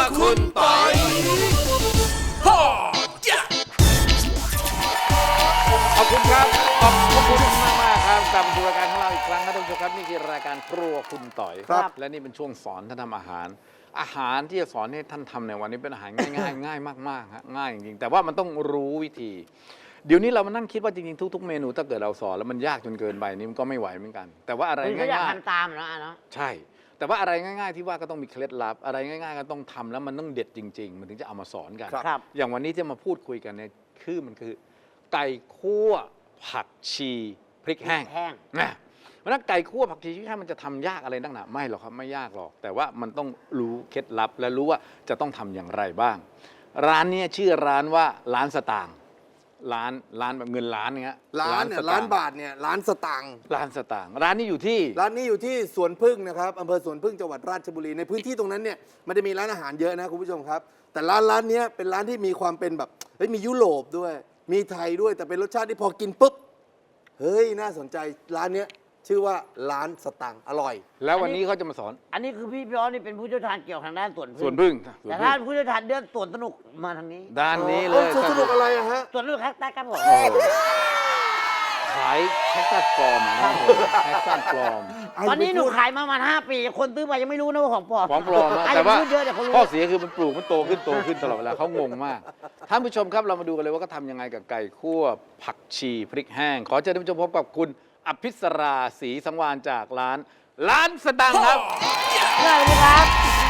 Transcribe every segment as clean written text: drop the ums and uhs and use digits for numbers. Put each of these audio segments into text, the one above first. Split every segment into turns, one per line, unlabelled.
คุณปอยขอบคุณครับขอบคุณมากครับกลับมาสู่รายการของเราอีกครั้งนะท่านผู้ชมครับนี่คือรายการครัวคุณต่อยครับและนี่เป็นช่วงสอนท่านทำอาหารที่จะสอนให้ท่านทำในวันนี้เป็นอาหารง่ายๆง่ายมากๆฮะง่ายจริงๆแต่ว่ามันต้องรู้วิธีเดี๋ยวนี้เรามานั่งคิดว่าจริงๆทุกๆเมนูถ้าเกิดเราสอนแล้วมันยากจนเกินไปนี่มันก็ไม่ไหวเหมือนกันแต่ว่าอะไรง่ายๆอยาก
ทำตามเนาะ
ใช่แต่ว่าอะไรง่ายๆที่ว่าก็ต้องมีเคล็ดลับอะไรง่ายๆก็ต้องทำแล้วมันต้องเด็ดจริงๆมันถึงจะเอามาสอนกันอย่างวันนี้ที่มาพูดคุยกันเนี่ยมันคือไก่คั่วผักชีพริกแห้งนะเพราะนั้นไก่คั่วผักชีพริกแห้งมันจะทำยากอะไรนักหนาไม่หรอกครับไม่ยากหรอกแต่ว่ามันต้องรู้เคล็ดลับและรู้ว่าจะต้องทำอย่างไรบ้างร้านนี้ชื่อร้านว่าร้านสตางค์ร้านแบบเงินล้านเงี้ย
ล้านบาทเนี่ยล้านสตางค์
ร้านสตางค์ร้านนี้อยู่ที่
สวนพึ่งนะครับอำเภอสวนพึ่งจังหวัดราชบุรีในพื้นที่ตรงนั้นเนี่ยมันจะมีร้านอาหารเยอะนะคุณผู้ชมครับแต่ร้านนี้เป็นร้านที่มีความเป็นแบบมียุโรปด้วยมีไทยด้วยแต่เป็นรสชาติที่พอกินปุ๊บเฮ้ยน่าสนใจร้านนี้ชื่อว่าร้านสตางค์อร่อย
แล้ววันนี้เขาจะมาสอน
อันนี้คือพี่ย้อนนี่เป็นผู้เชี่ยวชาญเกี่ยวทางด้าน
สวนพึ่ง
แต่ถ้าผู้เชี่ยวชาญเรื่องสวนสนุกมาทางนี้
ด้านนี้เลย
สวนสนุกอะไรอะฮะ
สวนสนุกแคคตัสครับผม
ขายแคคตัสปลอมนะแคคตัสปลอม
ตอนนี้หนูขายมาประมาณ5 ปีคนซื้อมายังไม่รู้นะว่าของปลอม
แต่ว่าข้อเสียคือมันปลูกมันโตขึ้นตลอดเวลาเขางงมากท่านผู้ชมครับเรามาดูกันเลยว่าเขาทำยังไงกับไก่คั่วผักชีพริกแห้งขอเชิญท่านผู้ชมพบกับคุณอภิสราศรีสังวานจากร้านสตางค์ครับ
สวัสดีครับ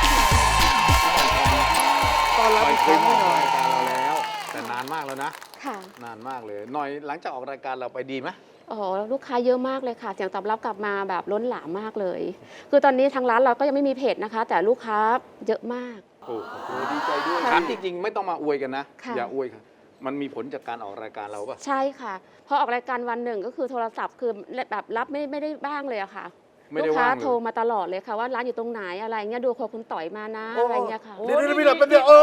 ตอนรับเคยมาออกรายการเราแล้วแต่นานมากแล้วนะค่ะนานมากเลยหน่อยหลังจากออกรายการเราไปดีไหม
โอ้โหลูกค้าเยอะมากเลยค่ะเสียงตอบรับกลับมาแบบล้นหลามมากเลยคือตอนนี้ทางร้านเราก็ยังไม่มีเพจนะคะแต่ลูกค้าเยอะมาก
โอ้โหดีใจด้วยถามจริงๆไม่ต้องมาอวยกันนะอย่าอวยค่ะมันมีผลจากการออกรายการเราป่ะ
ใช่ค่ะพอออกรายการวันหนึ่งก็คือโทรศัพท์คือแบบรับไม่ได้บ้างเลยอะค่ะลูกค้าโทรมาตลอดเลยค่ะว่าร้านอยู่ตรงไหนอะไรเงี้ยดูคนคุณต่อยมานะอะไรเงี้ยค่ะ
เดี๋ยวพี่หลับเป็นเดียว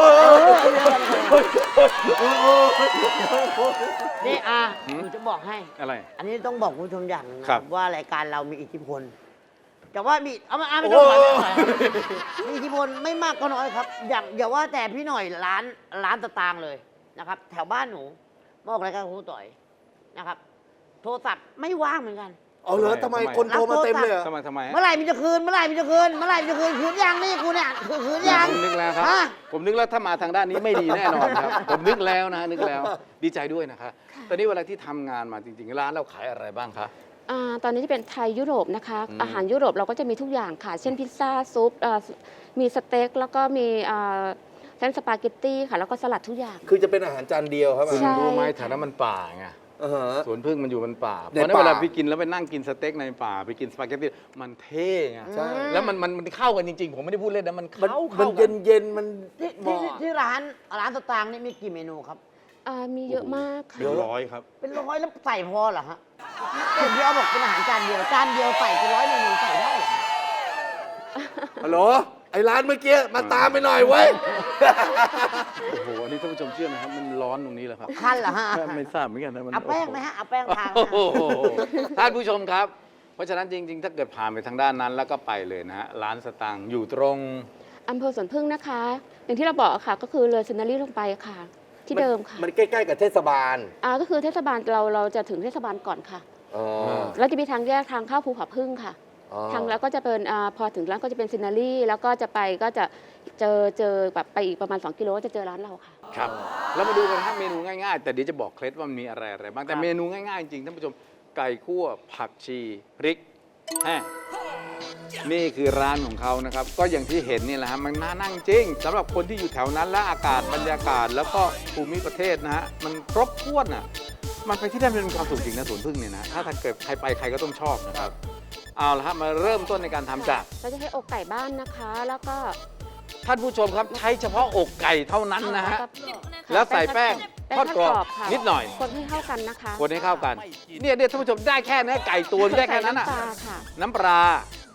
นี่หนูจะบอกให้
อะไร
อันนี้ต้องบอกคุณผู้ชมอย่างนึงว่ารายการเรามีอิทธิพลแต่ว่ามีไม่
ต้อง
มีอิทธิพลไม่มากก็น้อยครับอย่าว่าแต่พี่หน่อยร้านสตางค์เลยนะครับแถวบ้านหนูบอกรายการคุณต่อยนะครับโทรศัพท์ไม่ว่างเหมือนกัน
เอาเหรอทำไมคนโทรมาเต็มเลย
ทำไม
เมื่อไหร่มันจะคืนคืนยังนี่กูเนี่ยคืนยัง
ผมนึกแล้วครับผมนึกแล้วถ้ามาทางด้านนี้ไม่ดีแน่นอนครับผมนึกแล้วดีใจด้วยนะครับตอนนี้เวลาที่ทำงานมาจริงๆร้านเราขายอะไรบ้างคะ
ตอนนี้ที่เป็นไทยยุโรปนะคะอาหารยุโรปเราก็จะมีทุกอย่างค่ะเช่นพิซซ่าซุปมีสเต็กแล้วก็มีเส้นสปาเกตตี้ค่ะแล้วก็สลัดทุกอย่าง
คือจะเป็นอาหารจานเดียวครับ
คุณรู้ไหมแถวนั้นมันป่าไงสวนพึ่งมันอยู่บนป่าเพราะนั้นเวลาไปกินแล้วไปนั่งกินสเต็กในป่าไปกินสปาเกตตี้มันเท่ไงแล้วมันเข้ากันจริงๆผมไม่ได้พูดเล่นนะมันเข้า
กันเย็นมัน
ที่ร้านสตางค์นี่มีกี่เมนูครับ
มีเยอะมากค่ะ
เป็น100ครับ
เป็น100แล้วใส่พอเหรอฮะพี่เอาบอกเป็นอาหารจานเดียวใส่เป็น100เมนูใส่ได้เหรอ
ฮัลโหลไอ้ร้านเมื่อกี้มาตามไปหน่อยเว้ย
โอ้โหอันนี้ท่านผู้ชมเชื่อไหมครับมันร้อนตรงนี้แหละครับ
คันเหรอฮะ
ไม่ทราบเหมือนกันนะมัน
เอาแป้งไหมฮะเอาแป้งทา
ท่านผู้ชมครับเพราะฉะนั้นจริงๆถ้าเกิดผ่านไปทางด้านนั้นแล้วก็ไปเลยนะฮะร้านสตางค์อยู่ตรง
อำเภอสวนพึ่งนะคะอย่างที่เราบอกค่ะก็คือเลยเซนารีลงไปค่ะที่เดิมค่ะ
มันใกล้ๆกับเทศบาล
ก็คือเทศบาลเราจะถึงเทศบาลก่อนค่ะแล้วจะมีทางแยกทางเข้าภูเขาพึ่งค่ะทางแล้วก็จะเป็นพอถึงร้านก็จะเป็นซินารีแล้วก็จะไปก็จะเจอแบบไปอีกประมาณ2 กิโลก็จะเจอร้านเราค่ะ
ครับแล้วมาดูกันครับเมนูง่ายๆแต่เดี๋ยวจะบอกเคล็ดว่ามันมีอะไรบ้างแต่เมนูง่ายๆจริงท่านผู้ชมไก่คั่วผักชีพริกแห้งนี่คือร้านของเขานะครับก็อย่างที่เห็นนี่แหละฮะมันน่านั่งจริงสำหรับคนที่อยู่แถวนั้นและอากาศบรรยากาศแล้วก็ภูมิประเทศนะฮะมันครบถ้วนอ่ะมันไปที่ได้เป็นความสุขจริงนะสวนพึ่งเนี่ยนะถ้าเกิดใครไปใครก็ต้องชอบนะครับเอาละครับมาเริ่มต้นในการทำจาก
เราจะใช้อกไก่บ้านนะคะแล้วก็
ท่านผู้ชมครับใช้เฉพาะอกไก่เท่านั้นนะฮะแล้วใส่แป้งทอดกรอบนิดหน่อย
คนให้เข้ากันนะคะ
คนให้เข้ากันเนี่ยท่านผู้ชมได้แค่นี้ไก่ตัวได้แค่นั้นอ่ะน้ำปลา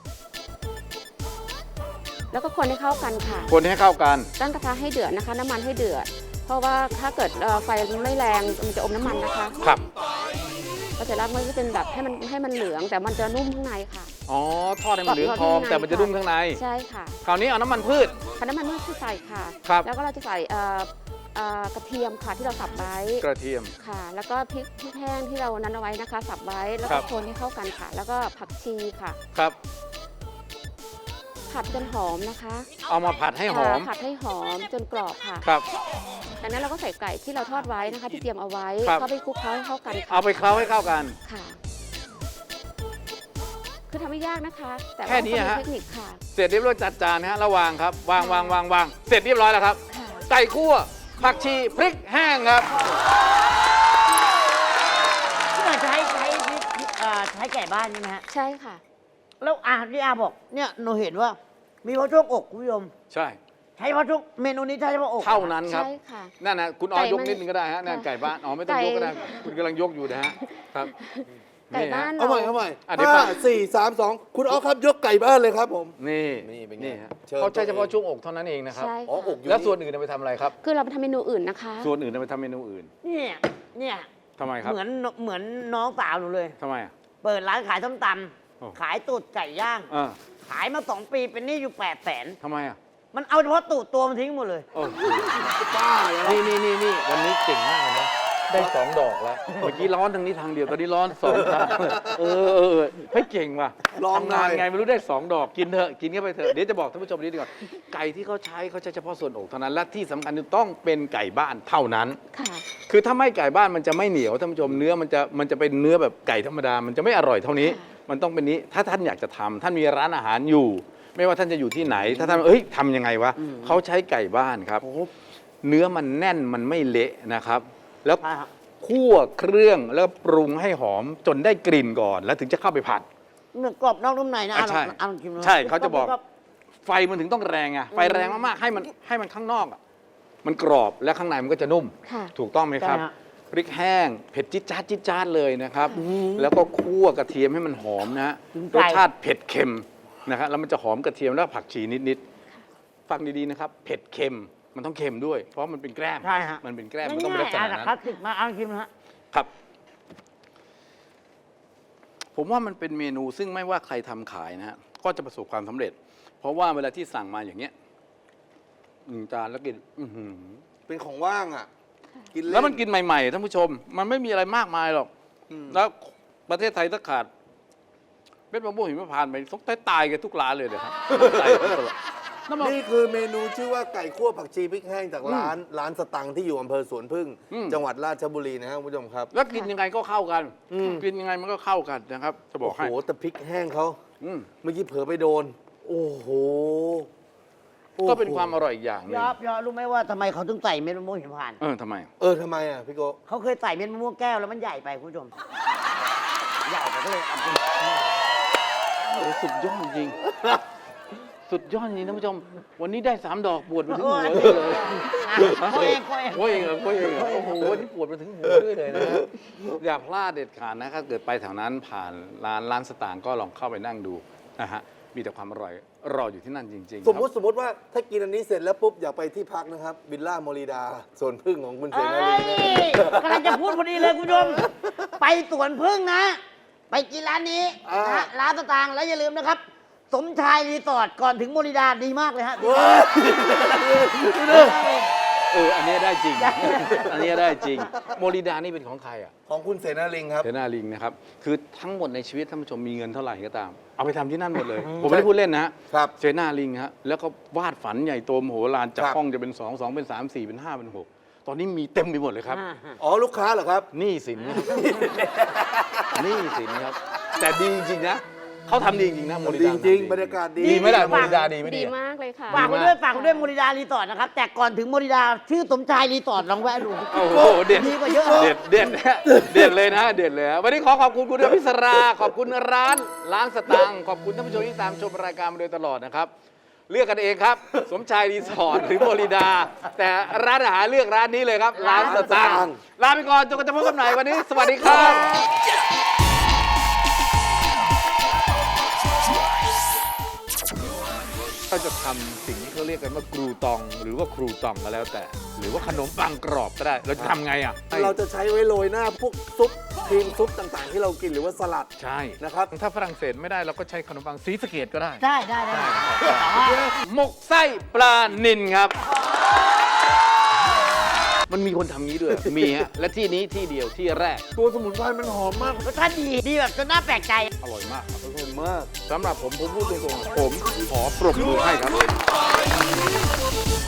แล้วก็คนให้เข้ากันค่ะ
คนให้เข้ากัน
ตั้งกระทะให้เดือดนะคะน้ำมันให้เดือดเพราะว่าถ้าเกิดไฟไม่แรงมันจะอมน้ำมันนะคะ
ครับ
พอเสร็จแล้วมันจะเป็นแบบให้มันเหลืองแต่มันจะนุ่มข้างในค่ะ
อ๋อทอดให้มันเหลืองทองแต่มันจะนุ่มข้างใน
ใช่ค่ะ
คราวนี้เอาน้ำมันพืช
พอน้ำมันเมื่อที่ใส่ค่ะ
ครับ
แล้วก็เราจะใส่กระเทียมค่ะที่เราสับไว้
กระเทียม
ค่ะ แล้วก็พริกแห้งที่เรานั้นเอาไว้นะคะ สับไว้แล้ว
ครั
ก็
บ
คนให้เข้ากันค่ะ แล้วก็ผักชีค่ะ
ครับ
ผัดจนหอมนะคะ
เอามาผัดให้หอม
ผัดให้หอมจนกรอบค่ะ
ครับ
จากนั้นเราก็ใส่ไก่ที่เราทอดไว้นะคะ ที่เตรียมเอาไว้
ครับ
เข้าไปคลุกเคล้าให้เข้ากันค่ะ
เอาไปเคล้าให้เข้ากัน
ค่ะ คือทำไม่ยากนะคะ แต่
แค่
ว่า
นี้
ก็มี
ฮะ
เทคนิคค่ะ
เสร็จเรียบร้อยจัดจานนะฮะระวางครับวางเสร็จเรียบร้อยแล้วครับ
ค่ะ
ไก่คั่วผักชีพริกแห้งครับ
ที่เราใช้ไก่บ้านใช่ไหมฮะ
ใช่ค่ะ
แล้วที่อาบอกเนี่ยหนูเห็นว่า มีพอช่วงอกคุณผู้ชม
ใช่
ใช้พอช่วงเมนูนี้ใช้เฉพาะอก
เท่านั้นครับ
ใช่ค่ะ
นั่นนะคุณอ้อย
ไก่
ย
มั
ก
น
นิดนึงก็ได้ฮะนั่น
ค่ะ
ไก่บ้านอ๋อไม่ต้องยกก็ได้
ไก่
คุณกำลังยกอยู่นะฮะครับ
ไก่บ้าน
เอาใหม่เอาใหม่
อ่ะเดี๋ยวก่อน
5 4 3 2 คุณเอาครับยกไก่บ้านเลยครับผม
นี่
นี่เป็นไง
นี่ฮะ
เชิญ
เขาใช้เฉพาะ
ตัวเอง
ช่วงอกเท่านั้นเองนะครับ
ใช่
อ๋อ
ค่ะ
อกอยู่
แล้วส่วนอื่นเอาไปทำอะไรครับ
คือเราไปทำเมนูอื่นนะคะ
ส่วนอื่นเอาไปทำเมนูอื่น
เนี่ย
ทำไมครับ
เหมือนน้องสาวหนูเลย
ทำไมอ่ะ
เปิดร้านขายส้มต
โอ้
ำขายตูดไก่ย่าง
อ่า
ขายมา2 ปีเป็นหนี้อยู่800,000
ทำไมอ่ะ
มันเอาเฉพาะตูดตัวมันทิ้งหมดเลย
โอ้
ป้าเลย
นี่วันนี้เก่งมากเลยนะได้2 ดอกแล้วเมื่อกี้ร้อนทางนี้ทางเดียวตอนนี้ร้อน2 ทางเออเฮ้ยเก่งว่ะ
ลอง
ทำ
หน่
งา
อน ย
ไงไม่รู้ได้2 ดอกกินเถอะกินเข้าไปเถอะเดี๋ยวจะบอกท่านผู้ชมนิดดีก่อนไก่ที่เขาใช้เฉพาะส่วนอกเท่านั้นและที่สำคัญคือต้องเป็นไก่บ้านเท่านั้น
ค่ะ
คือถ้าไม่ไก่บ้านมันจะไม่เหนียวท่านผู้ชมเนื้อมันจะเป็นเนื้อแบบไก่ธรรมดามันจะไม่อร่อยเท่านี้
ค่ะ
มันต้องเป็นนี้ถ้าท่านอยากจะทำท่านมีร้านอาหารอยู่ ไม่ว่าท่านจะอยู่ที่ไหน ถ้าท่านทำยังไงวะเขาใช้ไก่บ้านครับ เนื้อมันแน่นมันไม่เละนะครับ แล้ว
ใช่ครับ
คั่วเครื่องแล้วปรุงให้หอมจนได้กลิ่นก่อน แล้วถึงจะเข้าไปผัด
เนื้อกรอบนอกนุ่มในนะ
อ่ะใช่
ลองชิมดู
ใช่เขาจะบอก ไฟมันถึงต้องแรงไงไฟแรงมากๆให้มันข้างนอกอะมันกรอบและข้างในมันก็จะนุ่ม
ค่ะ
ถูกต้องไหมครับ
ใช่ฮะ
พริกแห้งเผ็ดจิ๊ดจ๊าดเลยนะครับ แล้วก็คั่วกระเทียมให้มันหอมนะฮะ
ถึง
ร
ใจ
สชาติเผ็ดเค็มนะครับแล้วมันจะหอมกระเทียมแล้วผักชีนิดๆฟังดีๆนะครับเผ็ดเค็มมันต้องเค็มด้วย เพราะมันเป็นแกล้ม
ใช่ฮะ
มันเป็นแกล้มมันต้องเป็นลักษ
ง่า
ณะ
ยๆ
นั้
คลาส
น
สิกมากเอาชิมนะฮะ
ครับ ผมว่ามันเป็นเมนูซึ่งไม่ว่าใครทำขายนะฮะก็จะประสบความสำเร็จ เพราะว่าเวลาที่สั่งมาอย่างเงี้ย1 จานแล้วกินอื้อหือ
เป็นของว่างอ่ะ กินเล่น
แล้วมันกินใหม่ๆท่านผู้ชม มันไม่มีอะไรมากมายหรอก แล้วประเทศไทยถ้าขาดเม็ดมะม่วงหิมพานต์ไปต้องตายกันทุกร้านเลยนะครับตายกันตลอดน้ำมัน
นี่คือเมนูชื่อว่าไก่คั่วผักชีพริกแห้งจากร้านสตังค์ที่อยู่อำเภอสวนพึ่ง จังหวัดราชบุรีนะครับคุณผู้ชมครับ
แล้วกินยังไงก็เข้ากัน
อืม
กินยังไงมันก็เข้ากันนะครับ จะบอก
โอ้
ให้
โหแต่พริกแห้งเขา
อืม
เมื่อกี้เผลอไปโดน โอ้โหโอ้โห
ก็เป็นความอร่อยอีกอย่างหนึง
ยอบรู้ไหมว่าทำไมเขาถึงใส่เม็ดมะม่วงหิมพานต์
ทำไม
ทำไมอ่ะพี่โก
เขาเคยใส่เม็ดมะม่วงแก้วแล้วมันใหญ่ไปคุณผู้ชม ใหญ่ไปก็เลยเอาไป
โอ้สุดยอดจริง สุดยอดจริงท่านผู้ชม วันนี้ได้3 ดอกปวดมาถึงหัวเลย
โค้ยเอง
โอ้ยเองเหรอโอ้ยเองเหรอโอ้โหวันนี้ปวดมาถึงหัวด้วยเลยนะครับอย่าพลาดเด็ดขาดนะครับเกิดไปแถวนั้นผ่านร้านสตางค์ก็ลองเข้าไปนั่งดูนะฮะมีแต่ความอร่อยรออยู่ที่นั่นจริงๆ
สมมติว่าถ้ากินอันนี้เสร็จแล้วปุ๊บอยากไปที่พักนะครับวิลล่าโมริดาสวนพึ่งของคุณเส
เอ้
นาย ลีนะ
กำลังจะพูดพอดีเลยคุณผู้ชม ไปสวนพึ่งนะ ไปกินร้านนี้นะฮะร้านสตางค์แล้วอย่าลืมนะครับ สมชายรีสอร์ทก่อนถึงโมริดาดีมากเลยฮะ
อันนี้ได้จริง อันนี้ได้จริง โมริดานี่เป็นของใครอ่ะ
ของคุณเสนาลิงครับ
เทนาลิงนะครับ คือทั้งหมดในชีวิตท่านผู้ชมมีเงินเท่าไหร่ก็ตาม เอาไปทำที่นั่นหมดเลย ผมไม่ได้พูดเล่นนะฮะ
ครับ
เซนาลิงฮะแล้วก็วาดฝันใหญ่โตมโหฬารจาก
ครับ
ห้องจะเป็น 2 2 เป็น 3 4 เป็น 5 เป็น 6 ตอนนี้มีเต็มไปหมดเลยครับ
อ๋อลูกค้าเหรอครับ
หนี้สินครับหนี้สินครับ แต่ดีจริงๆนะเขาทำดีจริงๆนะโมริ
ดี
ดา
จริง
ทำ
บรรยากาศดี
ดีไหมล่ะโมริดาดีไหม
ดี
ดี
มากเลยค่ะ
ฝากคุณด้วยโมริดารีสอร์ทนะครับ แต่ก่อนถึงโมริดาชื่อสมชายรีสอร์ทลองแวะดู
โอ้โหเด็ด
ดีกว่าเยอะ
เด็ดเลยนะเด็ดเลยฮะวันนี้ขอบคุณคุณเดือนพิศราขอบคุณร้านสตังค์ขอบคุณท่านผู้ชมที่ตามชมรายการมาโดยตลอดนะครับ เลือกกันเองครับ สมชายรีสอร์ทหรือโมริดา แต่ร้านอาหารเลือกร้านนี้เลยครับ ร้านสตังค์ลาไปก่อนจนกว่าจะพบกันใหม่วันนี้ สวัสดีครับ ถ้าจะทำสิ่งที่เขาเรียกกันว่ากรูตองหรือว่าครูตองก็แล้วแต่หรือว่าขนมปังกรอบก็ได้ เราจะทำไงอ่ะ
เราจะใช้ไว้โรยหน้าพวกซุปครีมซุปต่างๆ ที่เรากินหรือว่าสลัด
ใช่
นะครับ
ถ้าฝรั่งเศสไม่ได้เราก็ใช้ขนมปังศรีสะเกดก็ได้
ได้แต่ว่า
หมกไส้ปลานิลครับ มันมีคนทำงี้ด้วย มีฮะ และที่นี้ที่เดียวที่แรก
ตัวสมุนไพรมันหอมมาก
รสชาติดีแบบจนน่าแปลกใจ
อร่อยมากครับ
อร่อยมาก
สำหรับผมพูดตรงๆผมขอปรบมือให้ครับ